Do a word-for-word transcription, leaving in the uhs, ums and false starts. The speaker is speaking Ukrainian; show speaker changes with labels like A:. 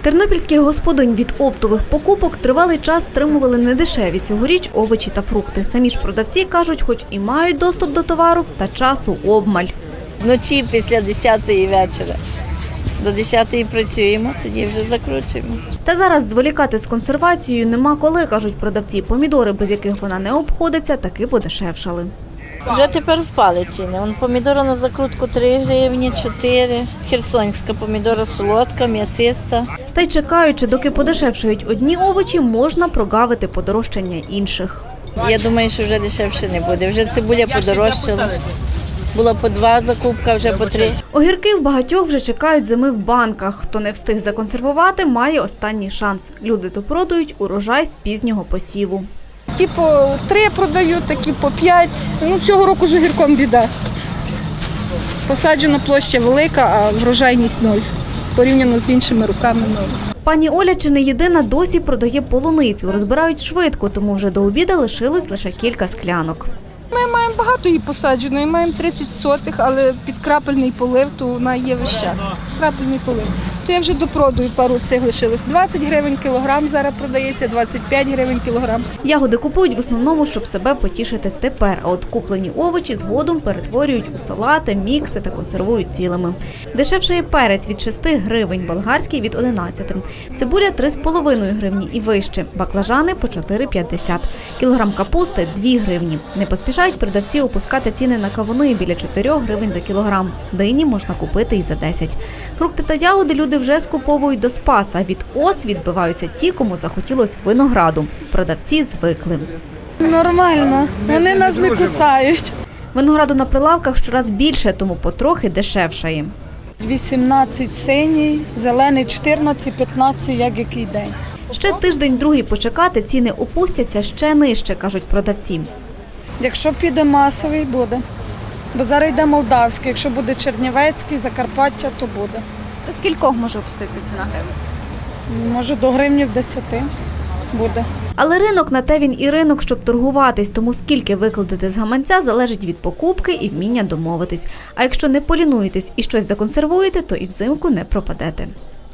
A: Тернопільських господинь від оптових покупок тривалий час стримували недешеві цьогоріч овочі та фрукти. Самі ж продавці кажуть, хоч і мають доступ до товару, та часу обмаль.
B: Вночі після десятої вечора. До десятої працюємо, тоді вже закручуємо.
A: Та зараз зволікати з консервацією нема коли, кажуть продавці. Помідори, без яких вона не обходиться, таки подешевшали.
B: Вже тепер впали ціни. Вон помідора на закрутку три гривні, чотири. Херсонська помідора солодка, м'ясиста.
A: Та й чекаючи, доки подешевшають одні овочі, можна прогавити подорожчання інших.
B: Я думаю, що вже дешевше не буде. Вже цибуля подорожчала. Була по два закупка, вже по три.
A: Огірки в багатьох вже чекають зими в банках. Хто не встиг законсервувати, має останній шанс. Люди допродають урожай з пізнього посіву.
C: Ті по три продають, такі по п'ять. Ну, цього року з огірком біда. Посаджена площа велика, а врожайність нуль. Порівняно з іншими роками нуль.
A: Пані Оля чи не єдина досі продає полуницю. Розбирають швидко, тому вже до обіду лишилось лише кілька склянок.
C: Ми маємо багато її посадженої, маємо тридцять сотих, але під крапельний полив, то вона є весь час. Крапельний полив. То я вже допродаю, пару цих лишилось. двадцять гривень кілограм зараз продається, двадцять п'ять гривень кілограм.
A: Ягоди купують в основному, щоб себе потішити тепер, а от куплені овочі згодом перетворюють у салати, мікси та консервують цілими. Дешевшає перець від шести гривень, болгарський від одинадцяти. Цибуля три з половиною гривні і вище, баклажани по чотири п'ятдесят. Кілограм капусти – дві гривні. Не поспішають продавці опускати ціни на кавуни біля чотирьох гривень за кілограм. Дині можна купити і за десять. Фрукти та ягоди люди вже скуповують до Спаса. Від ос відбиваються ті, кому захотілось винограду. Продавці звикли.
C: Нормально, вони нас не кусають.
A: Винограду на прилавках щораз більше, тому потрохи дешевшає.
C: вісімнадцять синій, зелений чотирнадцять п'ятнадцять, як який день.
A: Ще тиждень-другий почекати, ціни опустяться ще нижче, кажуть продавці.
C: Якщо піде масовий, буде. Бо зараз йде молдавський, якщо буде чернівецький, Закарпаття, то буде.
A: Скількох може опуститися ціна гривень?
C: Може до гривнів десяти буде.
A: Але ринок на те він і ринок, щоб торгуватись, тому скільки викладете з гаманця залежить від покупки і вміння домовитись. А якщо не полінуєтесь і щось законсервуєте, то і взимку не пропадете.